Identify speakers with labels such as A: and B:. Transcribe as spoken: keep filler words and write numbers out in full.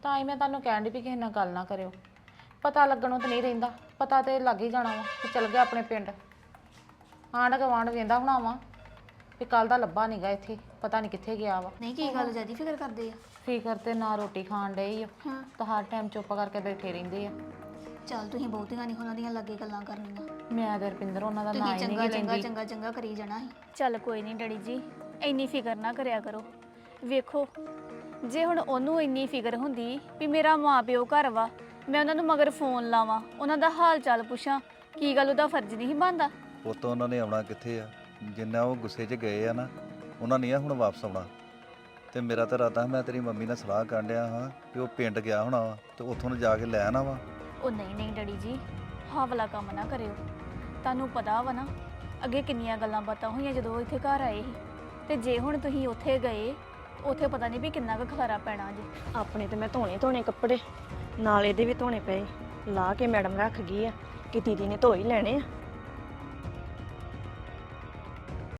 A: ਤਾਂ ਹੀ ਮੈਂ ਤੁਹਾਨੂੰ ਕਹਿਣ ਦੀ ਵੀ ਕਿਸੇ ਨਾਲ ਗੱਲ ਨਾ ਕਰਿਓ। ਪਤਾ ਲੱਗਣੋਂ ਤਾਂ ਨਹੀਂ ਰਹਿੰਦਾ, ਪਤਾ ਤੇ ਲੱਗ ਹੀ ਜਾਣਾ ਵਾ ਕਿ ਚਲ ਗਿਆ ਆਪਣੇ ਪਿੰਡ। ਆਂਢ ਗੁਆਂਢ ਵੇਂਦਾ ਹੋਣਾ ਵਾ ਵੀ ਕੱਲ ਦਾ ਲੱਭਾ ਨਹੀਂਗਾ ਇੱਥੇ, ਪਤਾ ਨਹੀਂ ਕਿੱਥੇ ਗਿਆ ਵਾ।
B: ਨਹੀਂ ਕੀ ਗੱਲ ਜਿਆਦੀ ਫਿਕਰ ਕਰਦੇ ਆ?
A: ਫਿਕਰ ਤੇ ਨਾ ਰੋਟੀ ਖਾਣ ਡਏ ਆ
B: ਹਾਂ
A: ਤਾਂ ਹਰ ਟਾਈਮ ਚੁੱਪ ਕਰਕੇ ਬੈਠੇ ਰਹਿੰਦੇ ਆ।
B: ਚੱਲ ਤੁਸੀਂ ਬਹੁਤੀਆਂ ਨਹੀਂ ਉਹਨਾਂ ਦੀਆਂ ਲੱਗੇ ਗੱਲਾਂ ਕਰਨੀਆਂ।
A: ਮੈਂ ਤੇ ਰਪਿੰਦਰ ਉਹਨਾਂ ਦਾ ਨਾਂ
B: ਤੁਸੀਂ
A: ਹੀ
B: ਚੰਗਾ
A: ਨਹੀਂ
B: ਚੰਗਾ
A: ਲੈਂਦੀ।
B: ਚੰਗਾ ਚੰਗਾ ਕਰੀ ਜਾਣਾ ਸੀ।
C: ਚੱਲ ਕੋਈ ਨਹੀਂ ਡੈਡੀ ਜੀ, ਇੰਨੀ ਫਿਕਰ ਨਾ ਕਰਿਆ ਕਰੋ। ਵੇਖੋ ਜੇ ਹੁਣ ਉਹਨੂੰ ਇੰਨੀ ਫਿਕਰ ਹੁੰਦੀ ਵੀ ਮੇਰਾ ਮਾਂ ਪਿਓ ਘਰ ਵਾ, ਮੈਂ ਉਹਨਾਂ ਨੂੰ ਮਗਰ ਫੋਨ ਲਾਵਾਂ, ਉਹਨਾਂ ਦਾ ਹਾਲ ਚਾਲ ਪੁੱਛਾਂ, ਕੀ ਗੱਲ ਉਹਦਾ ਫਰਜ਼ ਨਹੀਂ ਬਣਦਾ?
D: ਪੁੱਤ ਉਹਨਾਂ ਨੇ ਆਉਣਾ ਕਿੱਥੇ ਆ? ਜਿੰਨਾ ਉਹ ਗੁੱਸੇ 'ਚ ਗਏ ਆ ਨਾ, ਉਹਨਾਂ ਨਹੀਂ ਆ ਹੁਣ ਵਾਪਸ ਆਉਣਾ। ਤੇ ਮੇਰਾ ਤਾਂ ਇਰਾਦਾ ਮੈਂ ਤੇਰੀ ਮੰਮੀ ਨਾਲ ਸਲਾਹ ਕਰਨ ਡਿਆ ਹਾਂ ਕਿ ਉਹ ਪਿੰਡ ਗਿਆ ਹੋਣਾ ਵਾ ਤੇ ਉੱਥੋਂ ਨੂੰ ਜਾ ਕੇ ਲੈ ਆਣਾ ਵਾ।
C: ਉਹ ਨਹੀਂ ਨਹੀਂ ਡੈਡੀ ਜੀ, ਹਾਂ ਵਾਲਾ ਕੰਮ ਨਾ ਕਰਿਓ। ਤੁਹਾਨੂੰ ਪਤਾ ਵਾ ਨਾ ਅੱਗੇ ਕਿੰਨੀਆਂ ਗੱਲਾਂ ਬਾਤਾਂ ਹੋਈਆਂ ਜਦੋਂ ਉਹ ਇੱਥੇ ਘਰ ਆਏ ਸੀ, ਤੇ ਜੇ ਹੁਣ ਤੁਸੀਂ ਉੱਥੇ ਗਏ, ਉੱਥੇ ਪਤਾ ਨਹੀਂ ਵੀ ਕਿੰਨਾ ਕੁ ਖਲਾਰਾ ਪੈਣਾ ਜੀ।
E: ਆਪਣੇ ਤੇ ਮੈਂ ਧੋਣੇ ਧੋਣੇ ਕੱਪੜੇ, ਨਾਲ ਇਹਦੇ ਵੀ ਧੋਣੇ ਪਏ, ਲਾ ਕੇ ਮੈਡਮ ਰੱਖ ਗਈ ਆ ਕਿ ਦੀਦੀ ਨੇ ਧੋ ਹੀ ਲੈਣੇ ਆ।